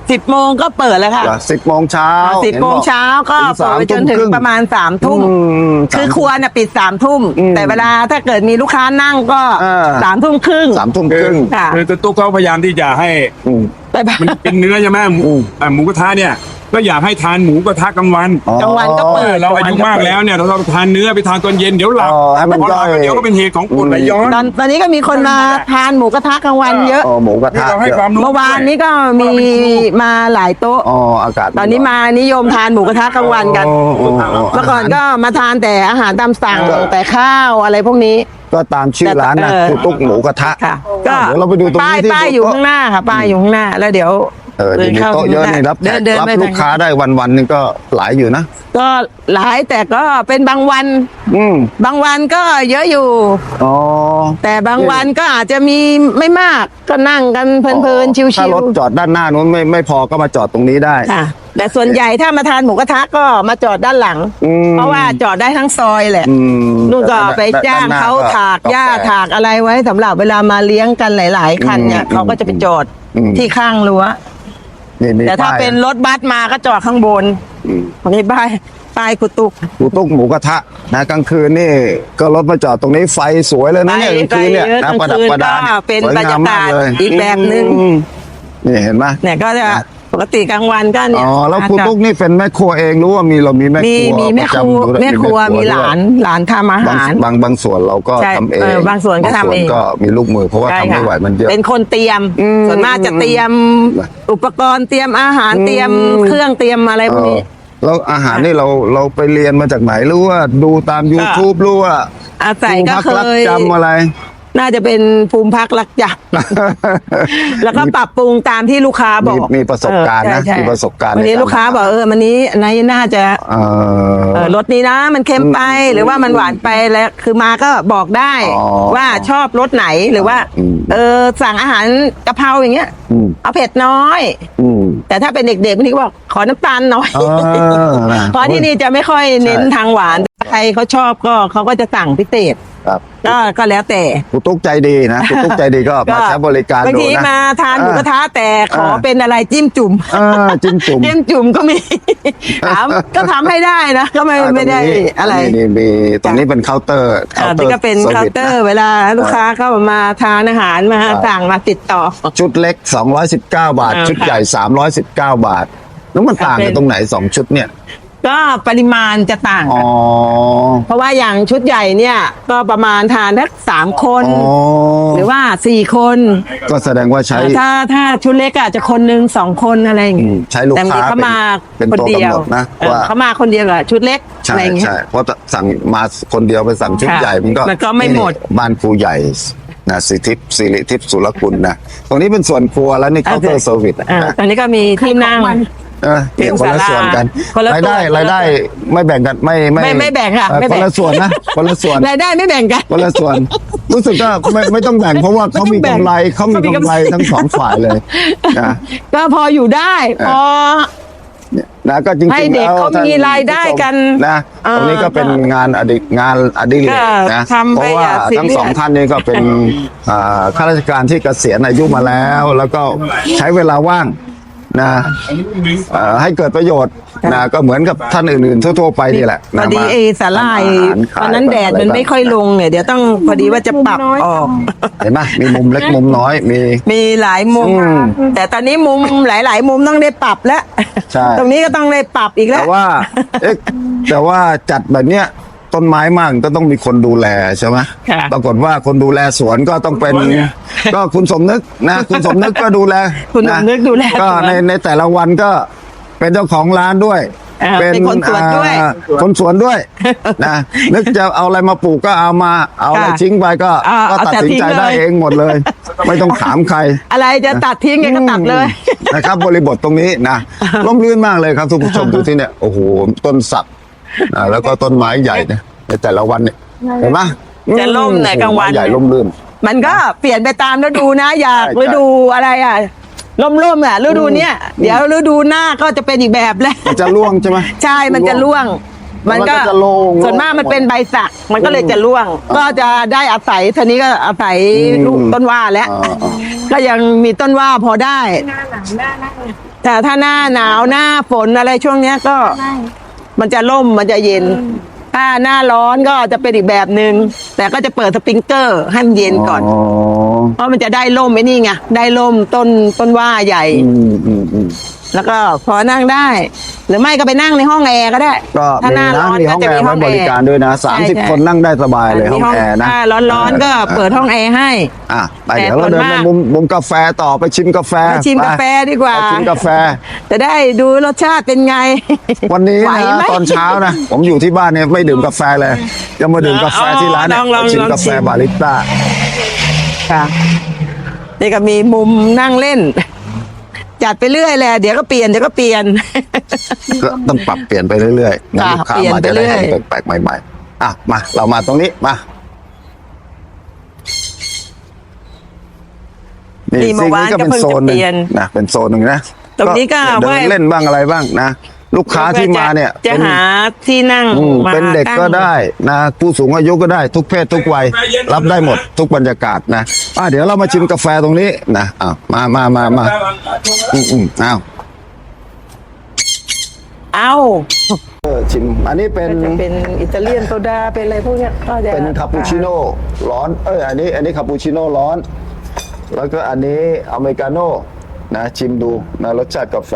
Speaker 4: สิบโมงก็เปิดแล้วค่ะ
Speaker 1: สิบโมงเช้า
Speaker 4: สิบโมงเช้าก็เปิดไปจนถึงประมาณสามทุ่มคือครัวน่ะปิดสามทุ่มแต่เวลาถ้าเกิดมีลูกค้านั่งก็สามทุ่มครึ่ง
Speaker 1: สามทุ่มครึ่ง
Speaker 4: ค่ะ
Speaker 3: คือตุ๊กเขาพยายามที่จะให้
Speaker 4: ไปบ้าน
Speaker 3: มันเป็นเนื้อใช่ไหมหมูอ่ะหมูกระทะเนี่ยก็อยากให้ทานหมูกระทะกลางวัน
Speaker 4: กลางวันก็เปิด
Speaker 3: เราอายุมากแล้วเนี่ยเราต้องทานเนื้อไปทานตอนเย็นเดี๋ยวหลับ
Speaker 1: อ๋อให้มัน
Speaker 3: พอหลับ
Speaker 1: ย่อย
Speaker 3: เดี๋ยวก็เป็นเหตุของปวดไหลย้อน
Speaker 4: ตอนตอนนี้ก็มีคนมาทานหมูกระทะกลางวันเยอะ
Speaker 1: อ๋อหมูกระทะ
Speaker 3: เราให้ความรู้
Speaker 4: เมื่อวานนี้ก็มีมาหลายโต๊ะ
Speaker 1: อ๋ออากาศ
Speaker 4: ตอนนี้มานิยมทานหมูกระทะกลางวันกัน
Speaker 1: อ๋ออ๋ออ๋อ
Speaker 4: เมื่อก่อนก็มาทานแต่อาหารตามสั่งแต่ข้าวอะไรพวกนี้
Speaker 1: ก็ตามชื่อร้านนะ
Speaker 4: เออ
Speaker 1: คือตุ๊กหมูกระทะ
Speaker 4: ค่ะ ก็
Speaker 1: เดี๋ยวเราไปดูตรง
Speaker 4: ป้าย
Speaker 1: นี้ที่
Speaker 4: ป้ายอยู่ข้างหน้าค่ะป้ายอยู่ข้างหน้าแล้วเดี๋ยว
Speaker 1: เออเดี๋ยวมีโต๊ะเยอะนี่รับแข
Speaker 4: เดิ
Speaker 1: ก
Speaker 4: นเดิน
Speaker 1: รับ
Speaker 4: ไป
Speaker 1: ลูกค้าได้วันวันๆนึงก็หลายอยู่นะ
Speaker 4: ก็หลายแต่ก็เป็นบางวัน
Speaker 1: อืม
Speaker 4: บางวันก็เยอะอยู่
Speaker 1: อ๋อ
Speaker 4: แต่บางวันก็อาจจะมีไม่มากก็นั่งกันเพลินๆชิ
Speaker 1: ถ้าว รถจอดด้านหน้านู้นไม่ไม่พอก็มาจอดตรงนี้ได้
Speaker 4: ๆค่ะ แต่ส่วนใหญ่ถ้ามาทานหมูกระทะก็มาจอดด้านหลัง
Speaker 1: อืม
Speaker 4: เพราะว่าจอดได้ทั้งซอยแหละ
Speaker 1: อืม
Speaker 4: นู่นก็ไปจ้างเขาถากหญ้าถากอะไรไว้สำหรับเวลามาเลี้ยงกันหลาย ๆ คันเนี่ยเขาก็จะไปจอดที่ข้างรั้ว
Speaker 1: นี่นี่
Speaker 4: แต่ถ้า
Speaker 1: ป้ย
Speaker 4: เป็นรถบัสมาก็จอดข้างบนอันนี้ป้ายป้ายกุตุก
Speaker 1: หมูตุ๊กหมูกระทะนะกลางคืนนี่ก็รถมาจอดตรงนี้ไฟสวยเลยนะเนี่ยกลางคืนเนี่ยนะประดับประดา
Speaker 4: ก็เป็น
Speaker 1: สวย
Speaker 4: บรรง
Speaker 1: าม
Speaker 4: ยาก
Speaker 1: มาก
Speaker 4: าศ
Speaker 1: เลย
Speaker 4: อีกแบบหนึ่ง
Speaker 1: อืมนี่เห็นไหม
Speaker 4: เนี่ยก็จะปกติกลางวันก็เนี่ย
Speaker 1: อ๋อแล้วครูตุ๊กนี่เป็นแม่ครัวเองรู้ว่ามีเรามีแม่
Speaker 4: มี
Speaker 1: ครัว
Speaker 4: มีแม่ครัว
Speaker 1: ประจำด้วย
Speaker 4: แม่ครัวมี
Speaker 1: ด้วย
Speaker 4: หลานหลานทำอา
Speaker 1: บาง
Speaker 4: หาร
Speaker 1: บางบางส่วนเราก็
Speaker 4: ใช่
Speaker 1: ทำเอง
Speaker 4: เออบางส่วนก็ทำเอง
Speaker 1: บก็มีลูกมือเพราะว่า
Speaker 4: ใช่
Speaker 1: ทำไม่
Speaker 4: ค่ะ
Speaker 1: ไหวมันเยอะ
Speaker 4: เป็นคนเตรียม
Speaker 1: อืม
Speaker 4: ส่วนมากจะเตรียมอุปกรณ์เตรียมอาหารเตรียมเครื่องเตรียมอะไรพวกนี้
Speaker 1: เออแล้วอาหารนี่เราเราไปเรียนมาจากไหนหรือว่าดูตาม YouTube หรือว่า
Speaker 4: อาศัยก็
Speaker 1: ครู
Speaker 4: เค
Speaker 1: พัรั
Speaker 4: ย
Speaker 1: จำอะไร
Speaker 4: น่าจะเป็นภูมิพักรักจัก แล้วก็ปรับปรุงตามที่ลูกค้าบอก
Speaker 1: มีมีประสบการณ์นะ
Speaker 4: เออใช่
Speaker 1: มีประสบการณ์
Speaker 4: วันนี้
Speaker 1: ในการ
Speaker 4: ลูกค้าบอกเออมันนี้อันนี้น่าจะ
Speaker 1: เออ
Speaker 4: เออรสนี้นะมันเค็มไปหรือว่ามันหวานไปแล้วคือมาก็บอกได้
Speaker 1: อ๋อ
Speaker 4: ว่าชอบรสไหนหรือว่า
Speaker 1: อืม
Speaker 4: เออสั่งอาหารกะเพราอย่างเงี้ย
Speaker 1: อืม
Speaker 4: เอาเผ็ดน้อย
Speaker 1: อืม
Speaker 4: แต่ถ้าเป็นเด็กๆบางทีก็บอกขอน้ำตาลน้อย
Speaker 1: เออนะ
Speaker 4: เพราะที่นี่จะไม่ค่อยเน้น
Speaker 1: ใช่
Speaker 4: ทางหวานใครเขาชอบก็เขาก็จะสั่งพิเศษ
Speaker 1: ครับ
Speaker 4: ก็ก็แล้วแต่
Speaker 1: ครูตุ๊กใจดีนะครูตุ๊กใจดีก็มาใช้บริการ
Speaker 4: บาง
Speaker 1: ดู
Speaker 4: ที
Speaker 1: นะ
Speaker 4: มาทานหมูกระทะแต่ขอ
Speaker 1: อ่า
Speaker 4: เป็นอะไรจิ้มจุ่ม
Speaker 1: เออจิ้มจุ่ม
Speaker 4: จิ้มจุ่มก็มี ถามก็ทำให้ได้นะก็ไม่ไม่ได้อะไร
Speaker 1: นี่มีตรงนี้เป็นเคาน์เตอร์
Speaker 4: อ่านี่ก็เป็นเคาน์เตอร์เวลาลูกค้าเข้ามาทานอาหารมาสั่งมาติดต่อ
Speaker 1: ชุดเล็กสองร้อยสิบเก้าบาท
Speaker 4: อ่า
Speaker 1: ชุดใหญ่สามร้อยสิบเก้าบาท แล้วมันต่างกันตรงไหนสองชุดเนี่ย
Speaker 4: ก็ปริมาณจะต่าง
Speaker 1: อ๋
Speaker 4: กั
Speaker 1: อ
Speaker 4: นเพราะว่าอย่างชุดใหญ่เนี่ยก็ประมาณทานทักสามคน
Speaker 1: อ๋อ
Speaker 4: หรือว่าสี่คน
Speaker 1: ก็แสดงว่าใช้
Speaker 4: ถ้าถ้าชุดเล็กอาจจะคนหนึ่งสองคนอะไรอย่าง
Speaker 1: อื
Speaker 4: งี้
Speaker 1: มใช้ลูก
Speaker 4: แต่บง
Speaker 1: ค้า
Speaker 4: ทีเขามา
Speaker 1: เป็น
Speaker 4: คนเดียว
Speaker 1: ตัวกำหนดนะ
Speaker 4: เออ
Speaker 1: ว่า
Speaker 4: เขามาคนเดียวกับชุดเล็กอะ
Speaker 1: ใช่
Speaker 4: ไรอย่างเงี้ย
Speaker 1: ใช่เพราะสั่งมาคนเดียวไปสั่งชุด
Speaker 4: ค่ะ
Speaker 1: ใหญ่มันก็
Speaker 4: มันก็ไม่หมด
Speaker 1: นี่บ้านครูใหญ่นะสิทิพย์สิริทิพย์สุรคุณนะตรงนี้เป็นส่วนครัวแล้วนี่เคาน์เตอร์เซอร์วิส
Speaker 4: อ่า
Speaker 1: นะ
Speaker 4: ตอนนี้ก็มีที่นั่ง
Speaker 1: เออเนี่ยคนละส่วนกัน
Speaker 4: คนละ
Speaker 1: รายได้
Speaker 4: ตัว
Speaker 1: รายได้ไม่แบ่งกันไม่
Speaker 4: ไม่ไม่แบ่งค่ะ
Speaker 1: เออ
Speaker 4: ไม่
Speaker 1: ค
Speaker 4: แบ่ง
Speaker 1: นละส่วนนะคนละส่วน
Speaker 4: รายได้ไม่แบ่งกัน
Speaker 1: คนละส่วน รู้สึกว่าไม่ไม่ต้องแบ่งเพราะว่าเขามีกำไรเขามีกำไรทั้งสองฝ่ายเลยนะ
Speaker 4: ก็พออยู่ได้พอ
Speaker 1: เนี่ยนะก็จริงๆ
Speaker 4: ให้เด็ก
Speaker 1: แล้ว
Speaker 4: เขา
Speaker 1: ท่น
Speaker 4: มีรายได้กัน
Speaker 1: นะ
Speaker 4: เออ
Speaker 1: ตรงนี้ก็เป็นงานอดิงานอดิเรก
Speaker 4: ก็
Speaker 1: นะ
Speaker 4: ทำ
Speaker 1: เพ
Speaker 4: ไป
Speaker 1: ราะว่า
Speaker 4: อย่าซีเรียส
Speaker 1: ทั้งสองท่านนี้ก็เป็นอ่าข้าราชการที่เกษียณอายุมาแล้ว แล้วก็ใช้เวลาว่างนะเอ่อให้เกิดประโยชน์นะก็เหมือนกับท่านอื่นๆทั่วๆไปนี่แหละ
Speaker 4: พอ
Speaker 1: นะ
Speaker 4: ดี
Speaker 1: มา
Speaker 4: ไอ้สาลาย
Speaker 1: ทำอาหารขาย
Speaker 4: ตอนนั้นแดดมันไม่ค่อยลงเนี่ยเดี๋ยวต้องพอดีว่าจะปรับออก
Speaker 1: เห็นไหมมีมุมเล็กมุมน้อยมี
Speaker 4: มีหลายมุม
Speaker 1: อืม
Speaker 4: แต่ตอนนี้มุมหลาย ๆ มุมต้องได้ปรับแล้ว
Speaker 1: ใช่
Speaker 4: ตรงนี้ก็ต้องได้ปรับอีกแล้ว
Speaker 1: แต่ว่าเอ๊ะแต่ว่าจัดแบบเนี้ยต้นไม้มากก็ต้องมีคนดูแลใช่ไหม
Speaker 4: ค่ะ
Speaker 1: ปรากฏว่าคนดูแลสวนก็ต้องเป็น ก็คุณสมนึกนะ คุณสมนึกก็ดูแล
Speaker 4: คุณสมนึกดูแล
Speaker 1: ก็
Speaker 4: สวน
Speaker 1: ในในแต่ละวันก็เป็นเจ้าของร้านด้วย
Speaker 4: อ่าเป็นคนสวนด้วย
Speaker 1: อ่าคนสวนด้วยนะนึกจะเอาอะไรมาปลูกก็เอามาเอาอะไร
Speaker 4: ค่ะ
Speaker 1: ทิ้งไปก็
Speaker 4: อ่า
Speaker 1: ก็
Speaker 4: เอา
Speaker 1: ตัด
Speaker 4: แต่
Speaker 1: สินใจ
Speaker 4: ทิ้งเลย
Speaker 1: ได้เองหมดเลย ไม่ต้องถามใคร
Speaker 4: อะไรจะตัดทิ้งไงก็ตัดเลย
Speaker 1: นะครับบริบทตรงนี้นะร่มรื่นมากเลยครับทุกผู้ชมดูที่เนี่ยโอ้โหต้นสักอ่าแล้วก็ต้นไม้ใหญ่เนี่ยในแต่ละวันเนี่ยเห็นไหม
Speaker 4: จะร่มไหนกลางวัน
Speaker 1: ต้ไม้ใหญ่ร่มรื่น
Speaker 4: มันก็เปลี่ยนไปตามฤดูนะ อยาก
Speaker 1: ใช่
Speaker 4: ฤดูอะไรอ่ะร่มๆอ่ะฤดูเนี้ยเดี๋ยวฤดูหน้าก็จะเป็นอีกแบบแล้ว
Speaker 1: มันจะร่วงใช่ไหม
Speaker 4: ใช่มันจะร่วง มันก็
Speaker 1: มันก็จะโล่ง
Speaker 4: ส่วนมากมันเป็นใบสัก มันก็เลยจะร่วง ก็จะได้อาศัยทีนี้ก็อาศัย
Speaker 1: อืม
Speaker 4: ลูกต้นว่าแล้ว
Speaker 1: อ่าอ่า
Speaker 4: ก็ยังมีต้นว่าพอได้
Speaker 2: หน้าหนาวหน้าหน้า
Speaker 4: แแต่ถ้าหน้าหนาวหน้าฝนอะไรช่วงเนี้ยก็ มันจะร่มมันจะเย็น ถ้าหน้าร้อนก็จะเป็นอีกแบบหนึ่งแต่ก็จะเปิดสปริงเกอร์ให้มันเย็นก่อน
Speaker 1: อ๋อ
Speaker 4: เพราะมันจะได้ร่มไอ้นี่ไงได้ร่มต้นต้นว่าใหญ่
Speaker 1: อืมอืมอืม
Speaker 4: แล้วก็พอนั่งได้ หรือไม่ก็ไปนั่งในห้องแอร์ก็ได้
Speaker 1: ก็
Speaker 4: ถ้า
Speaker 1: มี
Speaker 4: หน้า
Speaker 1: นะ
Speaker 4: ร้อน
Speaker 1: มี
Speaker 4: ก็
Speaker 1: ห้อง
Speaker 4: จะ
Speaker 1: แอ
Speaker 4: มี
Speaker 1: ร์
Speaker 4: ห้
Speaker 1: ไว้
Speaker 4: อง
Speaker 1: บ
Speaker 4: แอ
Speaker 1: ริ
Speaker 4: ร์
Speaker 1: การด้วยนะสามสิบ
Speaker 4: ใช่
Speaker 1: คนนั่งได้สบายเลยห้องแอร์นะ
Speaker 4: ถ้าร้อนๆก็เปิดห้องแอร์ให้
Speaker 1: อ่ะไป
Speaker 4: แต่
Speaker 1: เดี๋ยวเราเดิน
Speaker 4: ส่วน
Speaker 1: ไป
Speaker 4: มาก
Speaker 1: มุมมุมกาแฟต่อไปชิมกาแฟ
Speaker 4: ไปชิมกาแฟดีกว่า
Speaker 1: ไปชิมกาแฟ
Speaker 4: จะได้ดูรสชาติเป็นไง
Speaker 1: วันนี้
Speaker 4: ไหว
Speaker 1: นะ
Speaker 4: ไหม
Speaker 1: ตอนเช้านะ ผมอยู่ที่บ้านเนี่ยไม่ดื่มกาแฟเลยจะมาดื่มกาแฟที่ร้านเนี่ย
Speaker 4: ลองลอง
Speaker 1: ไปชิม
Speaker 4: ลอง
Speaker 1: กาแฟ
Speaker 4: ชิม
Speaker 1: บาริสต้า
Speaker 4: ค่ะนี่ก็มีมุมนั่งเล่น จัดไปเรื่อยแหละเดี๋ยวก็เปลี่ยนเดี๋ยวก็เปลี่ยน
Speaker 1: ก็ต้องปรับเปลี่ยนไปเรื่อยๆงั้น
Speaker 4: ค่ะ
Speaker 1: ลูกค้า
Speaker 4: เปลี่ยน
Speaker 1: มา
Speaker 4: ไป
Speaker 1: จะได้
Speaker 4: เรื่อย
Speaker 1: เห็นแปลกๆใหม่ๆอ่ะมาเรามาตรงนี้มา นี่
Speaker 4: นี่
Speaker 1: ซีก
Speaker 4: เมื่อวา
Speaker 1: นี้
Speaker 4: น
Speaker 1: ก็เป็น
Speaker 4: ก็เพิ่ง
Speaker 1: โซนหนึ่ง
Speaker 4: จะเปลี่ยน
Speaker 1: นะเป็นโซนหนึ่งนะ
Speaker 4: ตรงนี้ก็
Speaker 1: เดิน
Speaker 4: ว่า
Speaker 1: เล่นบ้างอะไรบ้างนะลูกค้าที่มาเนี่ย
Speaker 4: จะ
Speaker 1: เป็น
Speaker 4: หาที่นั่ง
Speaker 1: อืม
Speaker 4: มา
Speaker 1: เป็นเด็ก
Speaker 4: ตั้ง
Speaker 1: ก็ได้นะผู้สูงอายุก็ได้ทุกเพศทุกวัยรับได้หมดทุกบรรยากาศนะอ่ะเดี๋ยวเรามาชิมกาแฟตรงนี้นะอ่ะมามามามาอืมอืมอ้าว
Speaker 4: เอ้า
Speaker 1: เออชิมอันนี้เป็น
Speaker 4: ก็จะเป็นอิตาเลียนโซดาเป็นอะไรพวกเนี้ยก็จะ
Speaker 1: เป็นคาปูชิโน่ร้อนเอ้ยอันนี้อันนี้คาปูชิโน่ร้อน แล้วก็อันนี้อเมริกาโน่นะชิมดูนะรสชาติกาแฟ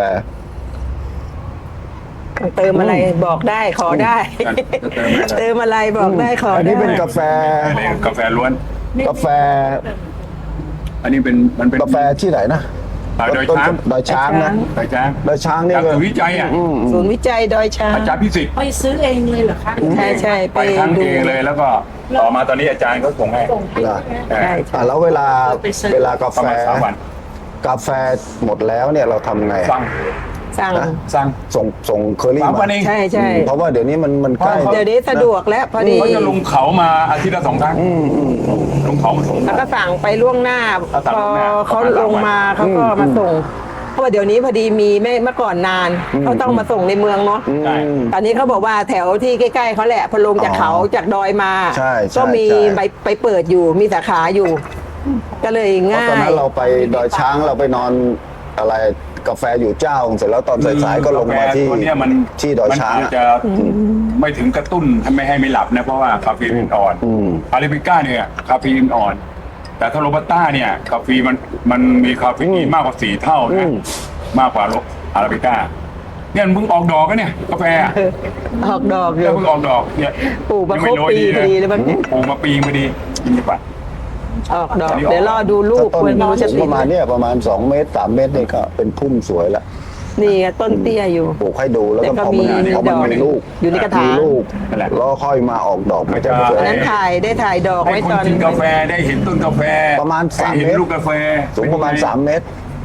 Speaker 4: เติมอะไรบอกได้ขอได้ เติมอะไรบอกได้ขอ
Speaker 1: อัน
Speaker 4: ได้
Speaker 1: นี้เป็นกาแฟ
Speaker 3: กาแฟล้วน
Speaker 1: กาแฟ
Speaker 3: อันนี้เป็นมันเป็น
Speaker 1: กาแฟที่ไหนนะ
Speaker 3: อ่าดอย
Speaker 1: ต้น
Speaker 3: ช้าง
Speaker 1: ดอยช้างนะ
Speaker 3: ดอยช้าง
Speaker 1: ดอยช้างนี่
Speaker 3: จาก
Speaker 1: ก็
Speaker 3: ศูนย์วิจัยอ่ะ
Speaker 4: ศูนย์วิจัยดอยช้าง
Speaker 3: อาจารย์พิสิทธิ์
Speaker 2: ไปซื้อเองเลยเหรอคะ
Speaker 4: ใช่ใช่ไป
Speaker 3: ไปครั้ง
Speaker 4: ดู
Speaker 3: เองเลยแล้วก็ต่อมาตอนนี้อาจารย์ก็ส่งให้
Speaker 1: เหรอ
Speaker 4: ใช่
Speaker 1: อ่ะแล้วเวลาเวลากา
Speaker 3: ประ
Speaker 1: แฟ
Speaker 3: มาณสามวัน
Speaker 1: กาแฟหมดแล้วเนี่ยเราทำไง
Speaker 3: สั่ง
Speaker 4: สั่ง
Speaker 1: นะ
Speaker 3: สั่ง
Speaker 1: ส่งส่งเคอรี่
Speaker 3: สามวัน
Speaker 1: มา
Speaker 3: เอง
Speaker 4: ใช่ใช่
Speaker 1: เพราะว่าเดี๋ยวนี้มันมันใกล้
Speaker 4: เดี๋ยวนี้สะดวกแล้วพอดี
Speaker 3: เขาจะลงเขามาอาทิตย์ละสองครั้งลงเขามาส่ง
Speaker 4: แล้วก็สั่งไปล่วงหน้า
Speaker 3: เอาสั่ง
Speaker 4: พอ
Speaker 3: ล่วงหน้า
Speaker 4: เขา
Speaker 3: ประมาณ
Speaker 4: ลงมา
Speaker 3: สามวัน
Speaker 4: เขาก็มาส่ง เพราะว่าเดี๋ยวนี้พอดีมีไม่เมื่อก่อนนานเขาต้องมาส่งในเมืองเนาะ
Speaker 3: ใช่
Speaker 4: ตอนนี้เขาบอกว่าแถวที่ใกล้ๆเขาแหละพอลงจากเขาจากดอยมา
Speaker 1: ใช่ใช่
Speaker 4: ก็มี
Speaker 1: ใช่
Speaker 4: ไปไปเปิดอยู่มีสาขาอยู่ ก็เลย
Speaker 1: เพราะ
Speaker 4: ง่า
Speaker 1: ตอน
Speaker 4: ย
Speaker 1: นั้นเราไปดอยช้างเราไปนอนอะไรกาแฟอยู่เจ้าเสร็จแล้วตอนสายๆก็ลงมาที่
Speaker 3: กแฟตัวเนี้ยมัน
Speaker 1: ที่ดอยช้าง
Speaker 3: มัน
Speaker 1: อะ
Speaker 3: อาจจะไม่ถึงกระตุ้นทำไม่ให้ไม่หลับนะเพราะว่าคาเฟอีนอ่อน
Speaker 1: อืม
Speaker 3: อาราบิก้าเนี่ยคาเฟอีนอ่อน แต่ถ้าโรบัสต้าเนี่ยคาเฟอีนมันมันมีคาเฟอีนมากกว่าสี่เท่านะมากกว่าโรอาราบิก้าเนี่ยมันเพิ่งออกดอกก็เนี่ยกาแฟอะ
Speaker 4: ออกดอกอ
Speaker 3: เนี่ย
Speaker 4: ยู่
Speaker 3: เพิ่งออกดอกเนี่ย
Speaker 4: ปลูกมา
Speaker 3: ยังไม่
Speaker 4: ครบ
Speaker 3: โรย
Speaker 4: ปี
Speaker 3: ดี
Speaker 4: พอดีเลยมั้ง
Speaker 3: ปลูกมาปีพอดีนี่ปะ
Speaker 4: ออกดอก เดี๋ยวรอดูลูก
Speaker 1: ต้น
Speaker 4: ควรไม่รู้จะ
Speaker 1: สูง
Speaker 4: ติ
Speaker 1: ป
Speaker 4: ด
Speaker 1: ระมาณเนี้ยประมาณสองเมตรสามเมตรนี่ก็เป็นพุ่มสวยละ
Speaker 4: นี่ไงต้นเตี้ยอยู่
Speaker 1: ปลูกให้ดูแล้วก็
Speaker 4: แต่ก็
Speaker 1: พอมัน
Speaker 4: มี
Speaker 1: พอมัน
Speaker 4: ดอก
Speaker 1: มีลูก
Speaker 4: อยู่ในกระถาง
Speaker 1: มีลูกแล้วค่อยมาออกดอกมันจะสวย
Speaker 4: อันนั้นถ่ายได้ถ่ายดอก
Speaker 3: ให้
Speaker 4: ไว้
Speaker 3: คน
Speaker 4: ตอน
Speaker 3: กินกาแฟได้เห็นต้นกาแฟ
Speaker 1: ประมาณสาม
Speaker 3: ได้เห็น
Speaker 1: เมตร
Speaker 3: ลูกกาแฟ
Speaker 1: สูงประมาณสามเมตร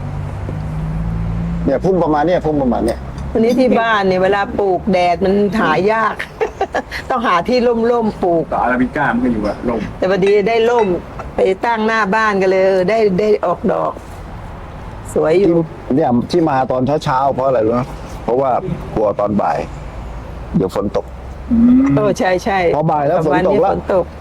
Speaker 1: เนี่ยพุ่มประมาณเนี้ยพุ่มประมาณเนี้ย
Speaker 4: วันนี้ที่บ้านเนี่ยเวลาปลูกแดดมันหายาก ต้องหาที่ร่มๆปลูก
Speaker 3: ก็อาราบิก้ามันก็อยู่อะลม
Speaker 4: แต่พอดีได้ร่มไปตั้งหน้าบ้านกันเลยเออได้ได้ออกดอก สวยอยู่
Speaker 1: เนี่ยที่มาตอนเช้าๆเพราะอะไรรู้ไหมเพราะว่ากลัวตอนบ่าย เดี๋ยวฝนตก
Speaker 4: โอ้ใช่ใช่
Speaker 1: พอบ่ายแล้วฝนตกแล้ว
Speaker 4: ฝนตก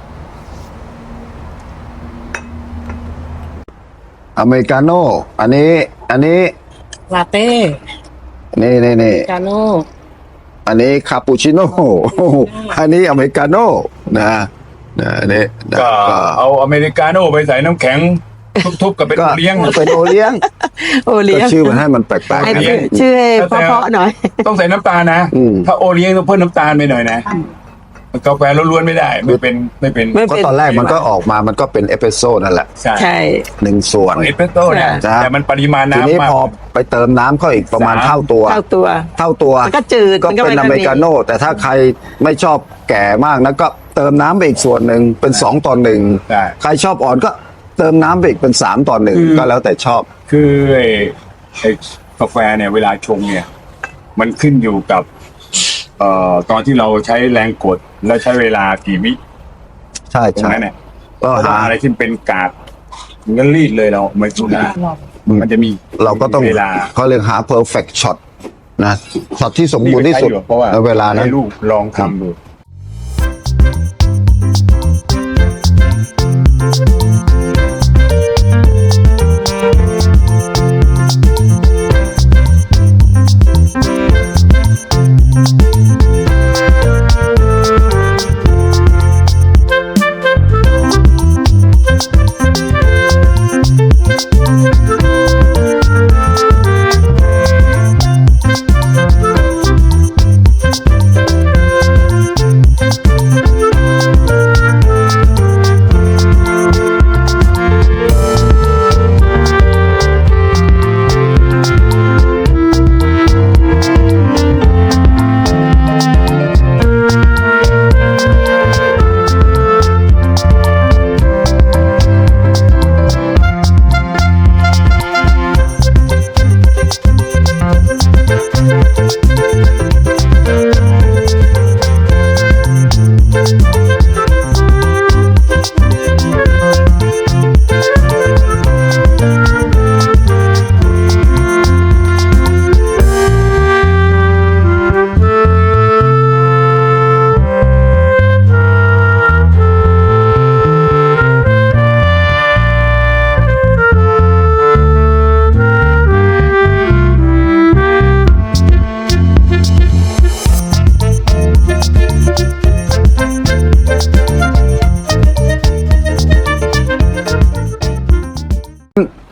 Speaker 1: อเมริกาโน่อันนี้ อันนี้
Speaker 2: ลาเต้
Speaker 1: นี่นี่นี่
Speaker 2: กาโน่
Speaker 1: อันนี้คาปูชิโน่ อันนี้อเมริกาโน่นะนะอันนี้นะ
Speaker 3: ก็เอาอเมริกาโน่ไปใส่น้ำแข็งทุบๆกับเป็น
Speaker 1: ก็
Speaker 3: โอเลี้ยง
Speaker 1: เป็นโอเลี้ยง
Speaker 4: โอเลี้
Speaker 1: ก็
Speaker 4: ยง
Speaker 1: ชื่อมันให้มันแปลก
Speaker 4: ให้
Speaker 1: ๆนะ
Speaker 4: ชื่อชื่อให้เพราะๆหน่อย
Speaker 3: ต้องใส่น้ำตาลนะ
Speaker 1: อืม
Speaker 3: ถ้าโอเลี้ยงต้องเพิ่มน้ำตาลไปหน่อยนะกาแฟล้วนๆไม่ได้ ไม่เป็นไม่เป็น
Speaker 4: ไม่
Speaker 1: ก็ตอนแรกมันก็ออกมามันก็เป็นเอสเปรสโซ่นั่นแหละ
Speaker 3: ใช่
Speaker 4: ใช่
Speaker 1: หนึ่งส่วน
Speaker 3: เอสเปรสโซ่เนี่ย
Speaker 1: จ้ะ
Speaker 3: แต่มันปริมาณ
Speaker 1: ทีนี้
Speaker 3: น้ำมาก
Speaker 1: พอไปเติมน้ำเข้าอีกประมาณ
Speaker 3: สาม
Speaker 1: เท่าตัว
Speaker 4: เท่าตัว
Speaker 1: เท่าตัว
Speaker 4: มันก็จืด
Speaker 1: ก็
Speaker 4: มันก็
Speaker 1: เป็น
Speaker 4: ไม่
Speaker 1: อเมริกาโน่แต่ถ้าใครไม่ชอบแก่มากนะก็เติมน้ำไปอีกส่วนหนึ่งเป็นสองต่อหนึ่ง
Speaker 3: ใช่
Speaker 1: ใครชอบอ่อนก็เติมน้ำไปอีกเป็นสามต่อหนึ่ง
Speaker 3: คือ
Speaker 1: ก็แล้วแต่ชอบ
Speaker 3: คือไอ้ไอ้กาแฟเนี่ยเวลาชงเนี่ย มันขึ้นอยู่กับ เอ่อตอนที่เราใช้แรงกดและใช้เวลากี่วิ
Speaker 1: ใช่
Speaker 3: ตรง
Speaker 1: ใช่
Speaker 3: นั้นเนี่ย
Speaker 1: ก็
Speaker 3: เพราะ
Speaker 1: หา
Speaker 3: ว่าอะไรที่เป็นกากมันก็รีดเลยเราไม่สุดนะมันจะมี
Speaker 1: เราก็ต้อง
Speaker 3: เวลา
Speaker 1: เขาเรียกหา perfect shot นะช็อตที่สมบูรณ์ที่สุด
Speaker 3: นี่ก็ใช้อยู่เพราะว่า
Speaker 1: ในเวลานั้น
Speaker 3: ให้ลูกลองทำดู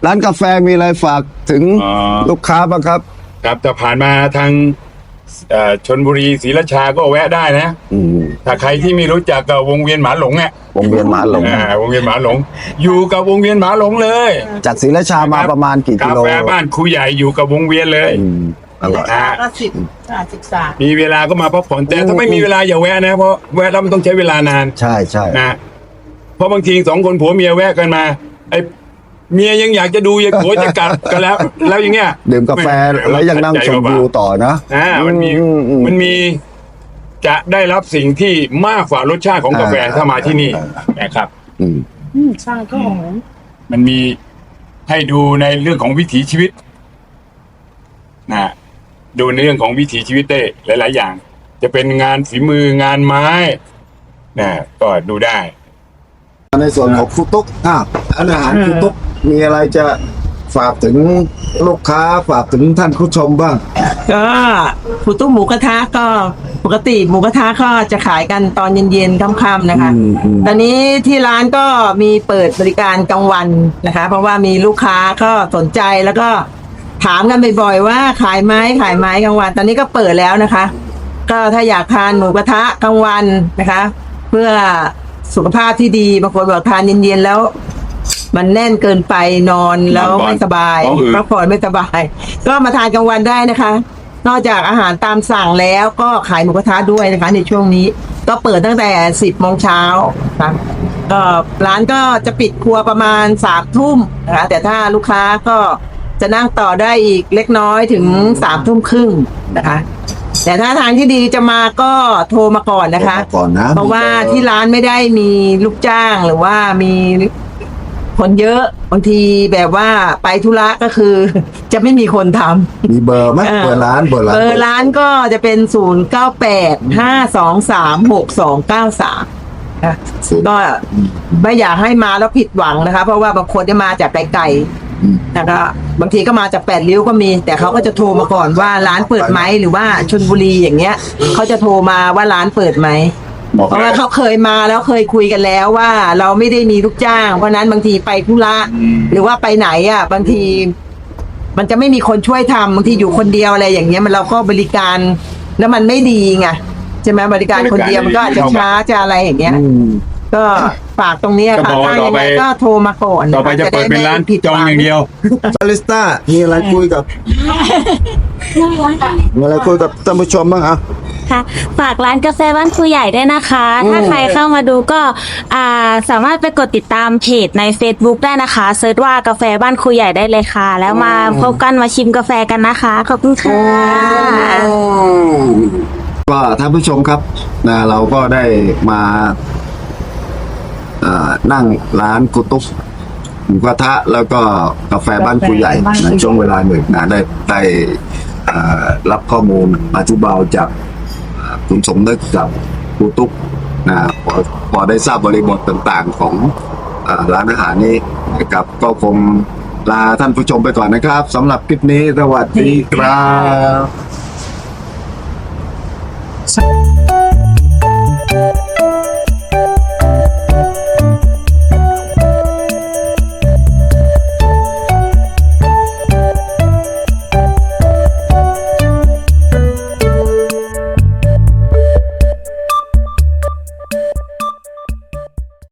Speaker 1: ร้านกาแฟมีอะไรฝากถึง
Speaker 3: อ๋อ
Speaker 1: ลูกค้าบ้างครับ
Speaker 3: ครับถ้าผ่านมาทางเอ่อชนบุรีศรีราชาก็แวะได้นะ
Speaker 1: อืม
Speaker 3: ถ้าใครที่ไม่รู้จักกับวงเวียนหมาหลงเนี่ยว
Speaker 1: งเวียนหมาหลง
Speaker 3: อ่าวงเวียนหมาหลง อยู่กับวงเวียนหมาหลงเลย
Speaker 1: จากศรีราชามาประมาณกี่กิโล
Speaker 3: กาแฟบ้านครูใหญ่อยู่กับวงเวียนเลย
Speaker 1: อืมอร่อย
Speaker 3: นะ
Speaker 2: ก็สิบอ่าสิบสาม
Speaker 3: มีเวลาก็มาพักผ่อนแต่ถ้าไม่มีเวลาอย่าแวะนะเพราะแวะแล้วมันต้องใช้เวลานาน
Speaker 1: ใช่ใช่
Speaker 3: นะเพราะบางทีสองคนผัวเมียแวะกันมาไอ้เมียยังอยากจะดูยังผัวจะกลับกันแล้ว แล้วอย่างเงี้ย
Speaker 1: ดื่มกาแฟแล้วยังนั่งชมวิวต่อนะ
Speaker 3: อ่ามันมี
Speaker 1: อือืม
Speaker 3: มันมีจะได้รับสิ่งที่มากกว่ารสชาติของกาแฟ
Speaker 1: อ่า
Speaker 3: ถ้ามาที่นี่
Speaker 1: อ่า
Speaker 3: นะครับ
Speaker 1: อืม
Speaker 2: อืมใช่ก็หอม
Speaker 3: มันมีให้ดูในเรื่องของวิถีชีวิตนะดูในเรื่องของวิถีชีวิตได้หลาย ๆ อย่าง จะเป็นงานฝีมืองานไม้นะก็ดูได้
Speaker 1: ในส่วนของครูตุ๊กอ่ะอาหารครูตุ๊กมีอะไรจะฝากถึงลูกค้าฝากถึงท่านผู้ชมบ้าง
Speaker 4: ก็ผู้ตุ้มหมูกระทะก็ปกติหมูกระทะก็จะขายกันตอนเย็นๆค่ำๆนะคะ
Speaker 1: อืมอืม
Speaker 4: ตอนนี้ที่ร้านก็มีเปิดบริการกลางวันนะคะ เพราะว่ามีลูกค้าก็สนใจแล้วก็ถามกันบ่อยๆว่าขายไหมขายไหมกลางวัน ตอนนี้ก็เปิดแล้วนะคะ ก็ถ้าอยากทานหมูกระทะกลางวันนะคะ เพื่อสุขภาพที่ดีบางคนบอกทานเย็นๆแล้ว มันแน่นเกินไปนอนแล้วไม่สบาย
Speaker 3: ท้องอืด
Speaker 4: พักผ่อนไม่สบาย ก็มาทานกลางวันได้นะคะ นอกจากอาหารตามสั่งแล้วก็ขายหมูกระทะด้วยนะคะ ในช่วงนี้ ก็เปิดตั้งแต่สิบโมงเช้าค่ะก็ร้านก็จะปิดครัวประมาณสามทุ่มนะคะแต่ถ้าลูกค้าก็จะนั่งต่อได้อีกเล็กน้อยถึงสามทุ่มครึ่งนะคะ แต่ถ้าทางที่ดีจะมาก็โทรมาก่อนนะคะ
Speaker 1: โทรมาก่อนนะ
Speaker 4: เพราะว่าที่ร้านไม่ได้มีลูกจ้างหรือว่ามีคนเยอะบางทีแบบว่าไปธุระก็คือ จะไม่มีคนทำ
Speaker 1: มีเบอร์ไหมเบอร์ร้านเบอร์ร้าน
Speaker 4: เบอร์ร้านก็จะเป็นศูนย์เก้าแปดห้าสองสามหกสองเก้าสามก็ไม่อยากให้มาแล้วผิดหวังนะคะ เพราะว่าบางคนจะมาจากไกลๆนะคะบางทีก็มาจากแปดริ้วก็มี แต่เขาก็จะโทรมาก่อนว่าร้านเปิดไหมหรือว่าชลบุรีอย่างเงี้ยเขาจะโทรมาว่าร้านเปิดไหม
Speaker 3: บอก
Speaker 4: เพราะว่าเขาเคยมาแล้วเคยคุยกันแล้วว่าเราไม่ได้มีลูกจ้าง เพราะนั้นบางทีไปธุระหรือว่าไปไหนอ่ะ บางที มันจะไม่มีคนช่วยทำบางทีอยู่คนเดียวอะไรอย่างเงี้ยมันเราก็บริการแล้วมันไม่ดีไงใช่ไหมบริการคนเดียวมันก็อาจจะช้าจะอะไรอย่างเงี้ย ก็ฝากตรงเนี้ย
Speaker 3: ก็
Speaker 4: ค่ะ
Speaker 3: บอก
Speaker 4: ถ้า
Speaker 3: ต่อ
Speaker 4: ยัง
Speaker 3: ไป
Speaker 4: ไงก็โทรมาก่อน
Speaker 3: ต่อไปจะเปิดเป็นร้าน
Speaker 4: ผิด
Speaker 3: จองอย่างเดียว
Speaker 1: บาริสต้ามีอะไรคุยกับมีอะไรคุยกับท่านผู้ชมบ้างอ่ะ
Speaker 5: ค่ะฝากร้านกาแฟบ้านครูใหญ่ด้วยนะคะ ถ้าใครเข้ามาดูก็อ่าสามารถไปกดติดตามเพจใน Facebook ได้นะคะเซิร์ชว่ากาแฟบ้านครูใหญ่ได้เลยค่ะ แล้วมาพบกันมาชิมกาแฟกันนะคะ ขอบคุณค่ะ
Speaker 1: ก็ท่านผู้ชมครับนะเราก็ได้มาเอ่อนั่งร้านกุตุ๊กหมูกระทะแล้วก็กาแฟบ้านครูใหญ่ในช่วงเวลาหนึ่งนะได้ได้เอ่อรับข้อมูลอธิบายจากเอ่อคุณสมนึกกับครูตุ๊กนะพอพอได้ทราบบริบทต่างๆของเอ่อร้านอาหารนี้นะครับก็คงลาท่านผู้ชมไปก่อนนะครับสำหรับคลิปนี้สวัสดีครับ